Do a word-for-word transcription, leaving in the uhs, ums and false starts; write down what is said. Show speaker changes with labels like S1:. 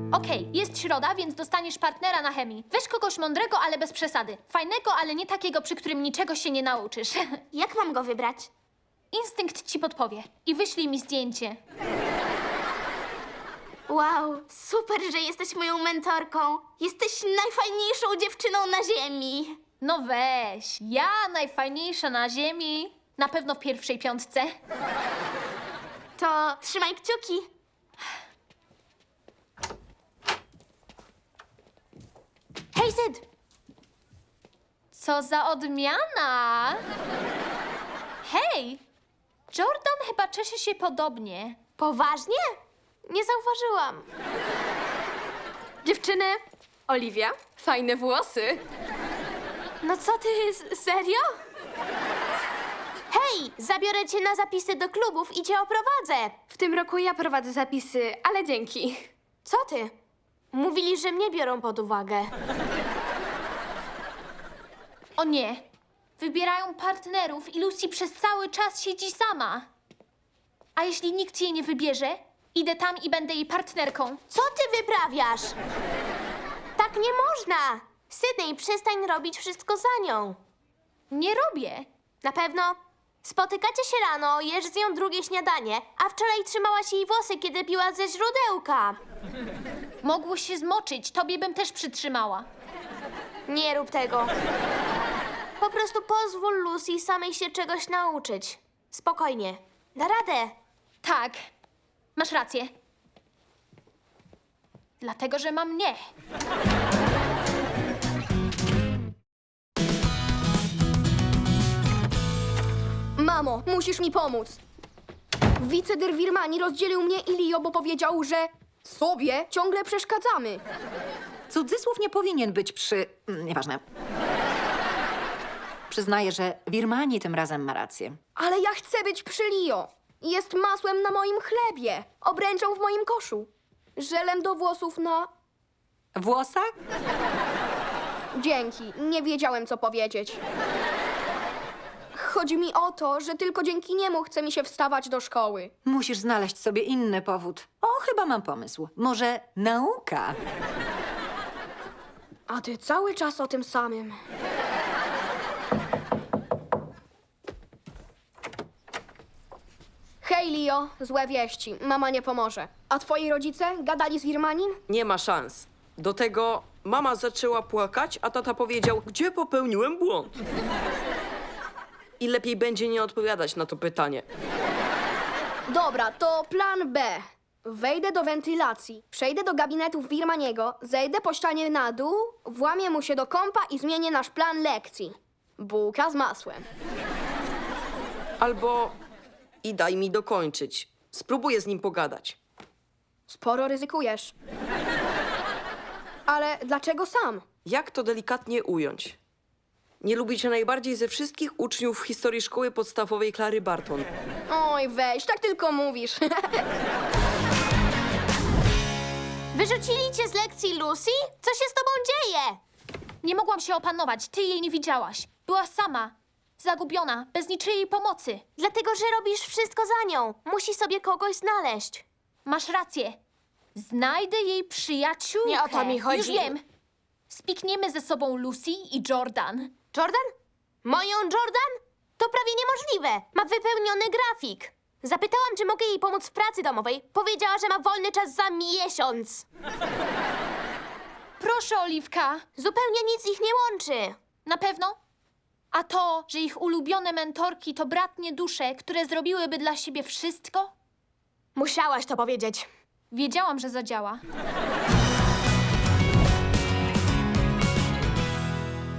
S1: Okej, jest środa, więc dostaniesz partnera na chemii. Weź kogoś mądrego, ale bez przesady. Fajnego, ale nie takiego, przy którym niczego się nie nauczysz.
S2: Jak mam go wybrać?
S1: Instynkt ci podpowie. I wyślij mi zdjęcie.
S2: Wow, super, że jesteś moją mentorką. Jesteś najfajniejszą dziewczyną na ziemi.
S1: No weź, ja najfajniejsza na ziemi. Na pewno w pierwszej piątce.
S2: To trzymaj kciuki. Hej, Syd!
S1: Co za odmiana! Hej! Jordan chyba czesze się podobnie.
S2: Poważnie? Nie zauważyłam.
S3: Dziewczyny, Oliwia, fajne włosy.
S2: No co ty, s- serio? Hej, zabiorę cię na zapisy do klubów i cię oprowadzę.
S3: W tym roku ja prowadzę zapisy, ale dzięki.
S2: Co ty? Mówili, że mnie biorą pod uwagę.
S1: O nie! Wybierają partnerów i Lucy przez cały czas siedzi sama. A jeśli nikt jej nie wybierze, idę tam i będę jej partnerką.
S2: Co ty wyprawiasz? Tak nie można. Sydney, przestań robić wszystko za nią.
S1: Nie robię.
S2: Na pewno. Spotykacie się rano, jesz z nią drugie śniadanie, a wczoraj trzymałaś jej włosy, kiedy piła ze źródełka.
S1: Mogło się zmoczyć, tobie bym też przytrzymała.
S2: Nie rób tego. Po prostu pozwól Lucy samej się czegoś nauczyć. Spokojnie. Da radę.
S1: Tak, masz rację. Dlatego, że mam mnie.
S4: Mamo, musisz mi pomóc. Wicedyr Wirmani rozdzielił mnie i Lio, bo powiedział, że sobie ciągle przeszkadzamy.
S5: Cudzysłów nie powinien być przy... mm, Nieważne. Przyznaję, że Wirmani tym razem ma rację.
S4: Ale ja chcę być przy Lio. Jest masłem na moim chlebie, obręczą w moim koszu, żelem do włosów na...
S5: Włosach?
S4: Dzięki, nie wiedziałem, co powiedzieć. Chodzi mi o to, że tylko dzięki niemu chce mi się wstawać do szkoły.
S5: Musisz znaleźć sobie inny powód. O, chyba mam pomysł. Może nauka?
S4: A ty cały czas o tym samym. Hej, Lio, złe wieści. Mama nie pomoże. A twoi rodzice gadali z Wirmanim?
S6: Nie ma szans. Do tego mama zaczęła płakać, a tata powiedział, gdzie popełniłem błąd. I lepiej będzie nie odpowiadać na to pytanie.
S4: Dobra, to plan B. Wejdę do wentylacji, przejdę do gabinetów Wirmaniego, zejdę po ścianie na dół, włamię mu się do kompa i zmienię nasz plan lekcji. Bułka z masłem.
S6: Albo i daj mi dokończyć. Spróbuję z nim pogadać.
S4: Sporo ryzykujesz. Ale dlaczego sam?
S6: Jak to delikatnie ująć? Nie lubi cię najbardziej ze wszystkich uczniów w historii szkoły podstawowej Klary Barton.
S4: Oj, weź, tak tylko mówisz.
S2: Wyrzucili cię z lekcji, Lucy? Co się z tobą dzieje?
S1: Nie mogłam się opanować, ty jej nie widziałaś. Była sama, zagubiona, bez niczyjej pomocy.
S2: Dlatego, że robisz wszystko za nią. Musi sobie kogoś znaleźć.
S1: Masz rację. Znajdę jej przyjaciółkę.
S2: Nie o to mi chodzi.
S1: Już wiem. Spikniemy ze sobą Lucy i Jordan.
S2: Jordan? Moją Jordan? To prawie niemożliwe. Ma wypełniony grafik. Zapytałam, czy mogę jej pomóc w pracy domowej. Powiedziała, że ma wolny czas za miesiąc.
S1: Proszę, Oliwka.
S2: Zupełnie nic ich nie łączy.
S1: Na pewno? A to, że ich ulubione mentorki to bratnie dusze, które zrobiłyby dla siebie wszystko?
S2: Musiałaś to powiedzieć.
S1: Wiedziałam, że zadziała.